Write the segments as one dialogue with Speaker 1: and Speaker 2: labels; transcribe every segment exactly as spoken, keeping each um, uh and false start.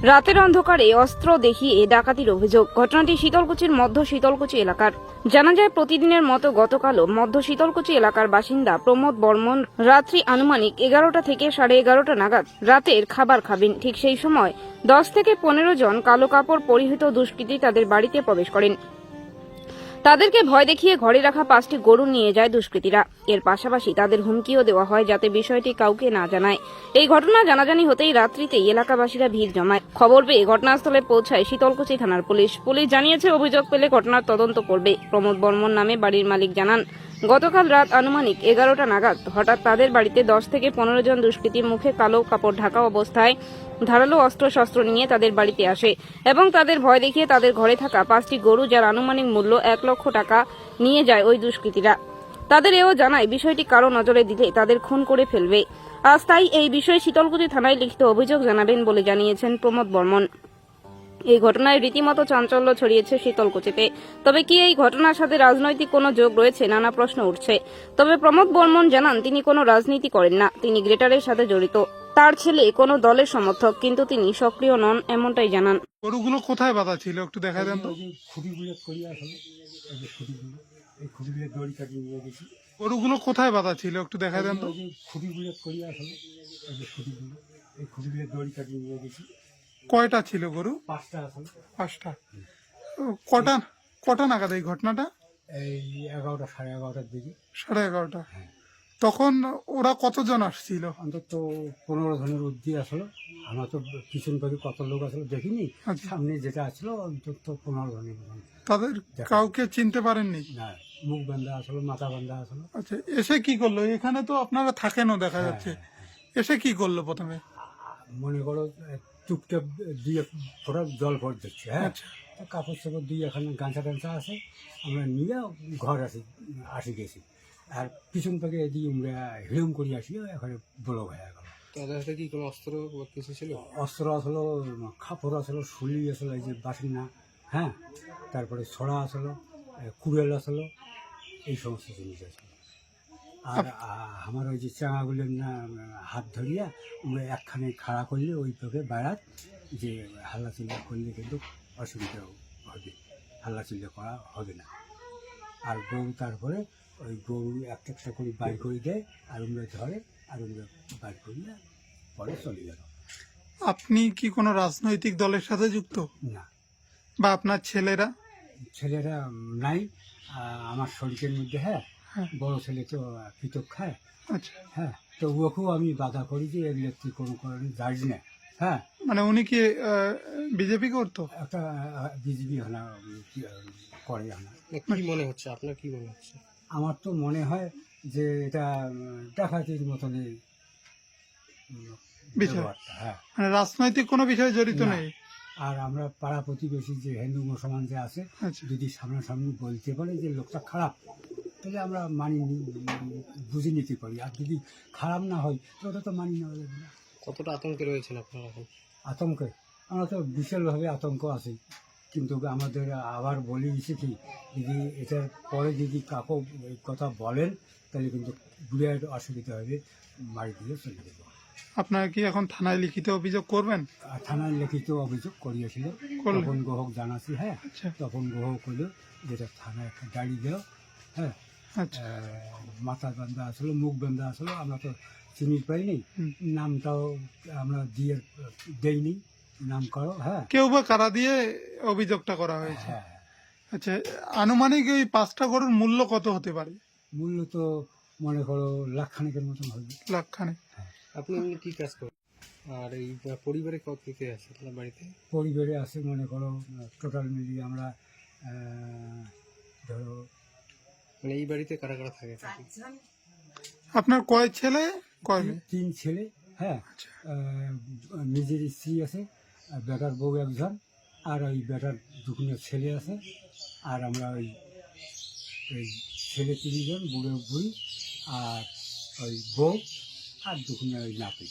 Speaker 1: রাতের অন্ধকারে অস্ত্র দেখিয়ে ডাকাতির অভিযোগ। ঘটনাটি শীতলকুচির মধ্য শীতলকুচি এলাকার। জানা যায়, প্রতিদিনের মতো গতকালও মধ্য শীতলকুচি এলাকার বাসিন্দা প্রমোদ বর্মন রাত্রি আনুমানিক এগারোটা থেকে সাড়ে এগারোটা নাগাদ রাতের খাবার খাবেন। ঠিক সেই সময় দশ থেকে পনেরো জন কালো কাপড় পরিহিত দুষ্কৃতী তাদের বাড়িতে প্রবেশ করেন। তাদেরকে ভয় দেখিয়ে ঘরে রাখা পাঁচটি গরু নিয়ে যায় দুষ্কৃতীরা। এর পাশাপাশি তাদের হুমকিও দেওয়া হয় যাতে বিষয়টি কাউকে না জানায়। এই ঘটনা জানাজানি হতেই রাত্রিতেই এলাকাবাসীরা ভিড় জমায়। খবর পেয়ে ঘটনাস্থলে পৌঁছায় শীতলকুচি থানার পুলিশ। পুলিশ জানিয়েছে, অভিযোগ পেলে ঘটনার তদন্ত করবে। প্রমোদ বর্মন নামে বাড়ির মালিক জানান, গতকাল রাত আনুমানিক এগারোটা নাগাদ হঠাৎ তাদের বাড়িতে দশ থেকে পনেরো জন দুষ্কৃতী মুখে কালো কাপড় ঢাকা অবস্থায় ধারালো অস্ত্র শস্ত্র নিয়ে তাদের বাড়িতে আসে এবং তাদের ভয় দেখিয়ে তাদের ঘরে থাকা পাঁচটি গরু, যার আনুমানিক মূল্য এক লক্ষ টাকা, নিয়ে যায় ওই দুষ্কৃতীরা। তাদের এও জানায়, বিষয়টি কারো নজরে দিলে তাদের খুন করে ফেলবে। আজ তাই এই বিষয়ে শীতলকুচি থানায় লিখিত অভিযোগ জানাবেন বলে জানিয়েছেন প্রমোদ বর্মন। এই ঘটনায় রীতিমতো চাঞ্চল্য ছড়িয়েছে শীতলকুচিতে। তবে কি এই ঘটনার সাথে রাজনৈতিক কোনো যোগ রয়েছে, নানা প্রশ্ন উঠছে। তবে প্রমোদ বর্মন জানান, তিনি কোনো রাজনীতি করেন না, তিনি গ্রেটারের সাথে জড়িত। তার ছেলে কোনো দলের সমর্থক, কিন্তু তিনি সক্রিয় নন, এমনটাই জানান।
Speaker 2: গরুগুলো কোথায় বাঁধা ছিল একটু দেখা দেন তো।
Speaker 3: খুঁটিগুলো করিয়া আসলে এই যে খুঁটিগুলো, এই খুঁটিগুলো দড়ি কাটিয়ে নিয়ে গেছি।
Speaker 2: গরুগুলো কোথায় বাঁধা ছিল একটু দেখা দেন তো।
Speaker 3: এই যে খুঁটিগুলো করিয়া আসলে এই যে খুঁটিগুলো, এই খুঁটিগুলো দড়ি কাটিয়ে নিয়ে গেছি।
Speaker 2: কয়টা ছিল গরু?
Speaker 3: পাঁচটা আসলে।
Speaker 2: পাঁচটা। কটা কটা নাগাদ এই ঘটনাটা?
Speaker 3: এই এগারোটা সাড়ে এগারোটার দিকে।
Speaker 2: সাড়ে এগারোটা। তখন ওরা কতজন আসছিল?
Speaker 3: অন্তত পনেরো জনের উদ্যোগ আসলো। আমরা তো পিছন থেকে কত লোক আসলো দেখিনি,
Speaker 2: আচ্ছা।
Speaker 3: সামনে যেটা আসলো অন্তত পনেরো জনের মতন।
Speaker 2: তাদের কাউকে চিনতে পারেননি?
Speaker 3: না, মুখ বান্ধা আসলো, মাথা বান্ধা আসলো।
Speaker 2: আচ্ছা, এসে কি করলো? এখানে তো আপনারা থাকেনও দেখা
Speaker 3: হ্যাঁ,
Speaker 2: যাচ্ছে। এসে কি করলো প্রথমে?
Speaker 3: মনে করো টুকটাপ দিয়ে ফোটা জল ভর দিচ্ছে। হ্যাঁ,
Speaker 2: আচ্ছা।
Speaker 3: তা কাপড় চাপড় দিয়ে এখানে গাঁছা টাঞ্চা আছে, আমরা নিয়ে ঘর আসি আসি গেছি। আর পিছন থেকে এদিকে আমরা হিড়ম করি আসি, এখানে বড় হয়ে গেল।
Speaker 4: তাদের হাতে কি কোনো অস্ত্র বা কিছু ছিল?
Speaker 3: অস্ত্র আসলো, খাপড় আসলো, শুলি আসলো, এই যে বাসিনা, হ্যাঁ, তারপরে ছড়া আসলো, কুড়েল আসলো, এই সমস্ত জিনিস আসলো। আর আ- আমার ওই যে চাঙাগুলোর না হাত ধরিয়া আমরা একখানে খাড়া করলে ওই তোকে বাড়াত যে হাল্লা চিল্লা করলে কিন্তু অসুবিধা হবে, হাল্লা চিল্লা করা হবে না। আর গরু তারপরে ওই গরু একটা একটা করে বাইর করে দেয়, আর আমরা ধরে আর আমরা বাইর করিয়া পরে চলে গেল।
Speaker 2: আপনি কি কোনো রাজনৈতিক দলের সাথে যুক্ত,
Speaker 3: না,
Speaker 2: বা আপনার ছেলেরা?
Speaker 3: ছেলেরা নাই। আহ, আমার শরীরের মধ্যে, হ্যাঁ,
Speaker 2: হ্যাঁ।
Speaker 3: বড় ছেলে তো পৃথক খায়,
Speaker 2: আচ্ছা,
Speaker 3: হ্যাঁ, তো ওকেও আমি বাধা করি যে এগুলো তুই কোনো কারণে যাস না। হ্যাঁ,
Speaker 2: মানে উনি কি বিজেপি করতো?
Speaker 3: একটা বিজেপি হানা করে হানা।
Speaker 4: না, কি মনে হচ্ছে আপনার, কি মনে হচ্ছে?
Speaker 3: আমার তো মনে হয় যে এটা উম, ডাকাতির মতনই উম,
Speaker 2: বিষয়।
Speaker 3: ব্যবহারটা, হ্যাঁ।
Speaker 2: মানে রাজনৈতিক কোনো বিষয়ে জড়িত
Speaker 3: না।
Speaker 2: নেই?
Speaker 3: আর আমরা পাড়া প্রতিবেশী যে হিন্দু মুসলমান যে আছে,
Speaker 2: আচ্ছা।
Speaker 3: যদি সামনাসামনি বলতে পারে যে লোকটা খারাপ, তাহলে আমরা মানি নি- বুঝে নিতে পারি। আর যদি খারাপ না হয় তো ওটা তো মানি নেওয়া যাবে না।
Speaker 4: কতটা আতঙ্কে রয়েছেন আপনারা এখন?
Speaker 3: আতঙ্কে আমরা তো বিশালভাবে আতঙ্ক আছি, কিন্তু আমাদের আবার বলে দিচ্ছে কি, যদি এটার পরে যদি কাকু এই কথা বলেন তাহলে কিন্তু বিরাট অসুবিধা হবে, বাড়ি দিয়ে চলে দেবো।
Speaker 2: আপনারা কি এখন থানায় লিখিত অভিযোগ করবেন?
Speaker 3: আর থানায় লিখিত অভিযোগ করিয়েছিল,
Speaker 2: করলেন?
Speaker 3: তপন গ্রহক জানাছি, হ্যাঁ,
Speaker 2: আচ্ছা।
Speaker 3: তপন গ্রহক হলো যেটা থানায় একটা গাড়ি দেও, হ্যাঁ,
Speaker 2: আচ্ছা।
Speaker 3: আহ, মাথা বান্ধা আসলো, মুখ বান্ধা আসলো, আমরা তো চিনি পাইনি,
Speaker 2: হুম।
Speaker 3: নামটাও আমরা দিয়ে দেইনি, নাম করো, হ্যাঁ,
Speaker 2: কেউ বা কারা দিয়ে অভিযোগটা করা হয়েছে?
Speaker 3: হ্যাঁ।
Speaker 2: আচ্ছা, আনুমানিক এই পাঁচটা গরুর মূল্য কত হতে পারে?
Speaker 3: মূল্য তো মনে করো লাখ খানেকের মতন হবে।
Speaker 2: লাখখানে।
Speaker 4: আপনি এমনি কি কাজ করেন? আর এই পরিবারে কত কে আছে আপনার বাড়িতে?
Speaker 3: পরিবারে আছে মনে করো টোটাল মিলিয়ে আমরা আহ, ধরো
Speaker 4: মানে এই বাড়িতে কারা কারা থাকে?
Speaker 2: আপনার কয় ছেলে কয় মেয়ে?
Speaker 3: তিন ছেলে, হ্যাঁ,
Speaker 2: আচ্ছা।
Speaker 3: আহ, নিজের স্ত্রী আছে, আর বেটার বউ একজন, আর ওই বেটার দুখানে ছেলে আছে, আর আমরা ওই ওই ছেলে তিনজন, বুড়ো বুড়ি, আর ওই বউ, আর দুখানে ওই নাতি।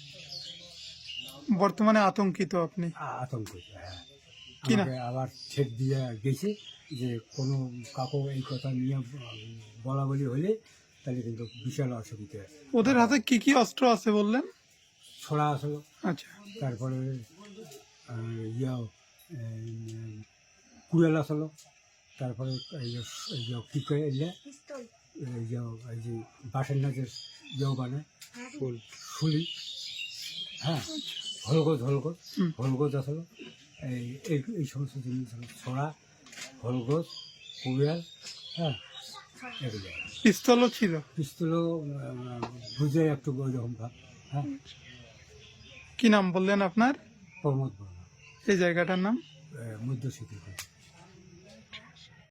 Speaker 2: বর্তমানে আতঙ্কিত আপনি?
Speaker 3: আ- আতঙ্ক, হ্যাঁ।
Speaker 2: কি না?
Speaker 3: আমাকে আবার ছেদ দিয়ে গেছে যে কোনো কাকু এই কথা নিয়ে বলা বলি হলে তাহলে কিন্তু বিশাল অসুবিধা।
Speaker 2: ওদের হাতে কি কি অস্ত্র আছে বললেন?
Speaker 3: ছড়া আসলো,
Speaker 2: আচ্ছা।
Speaker 3: তারপরে কুড়াল আসলো, তারপরে এই যে এই যে কী করে এলে এই যে এই যে বাঁশের নাচের ইয়েও বানায়
Speaker 4: ফুল
Speaker 3: শুলি, হ্যাঁ, হলগজ হলগজ হলগজ আসলো, এই এই এই সমস্ত জিনিস হলো ছড়া, হলগজ, কুড়াল, হ্যাঁ, এগুলো।
Speaker 2: পিস্তলও ছিল।
Speaker 3: পিস্তলও বুঝে একটু ওই রকম ভাব, হ্যাঁ।
Speaker 2: কি নাম বললেন আপনার?
Speaker 3: প্রমোদ বর্মা,
Speaker 2: এই জায়গাটার নাম?
Speaker 3: মধ্যশীতল।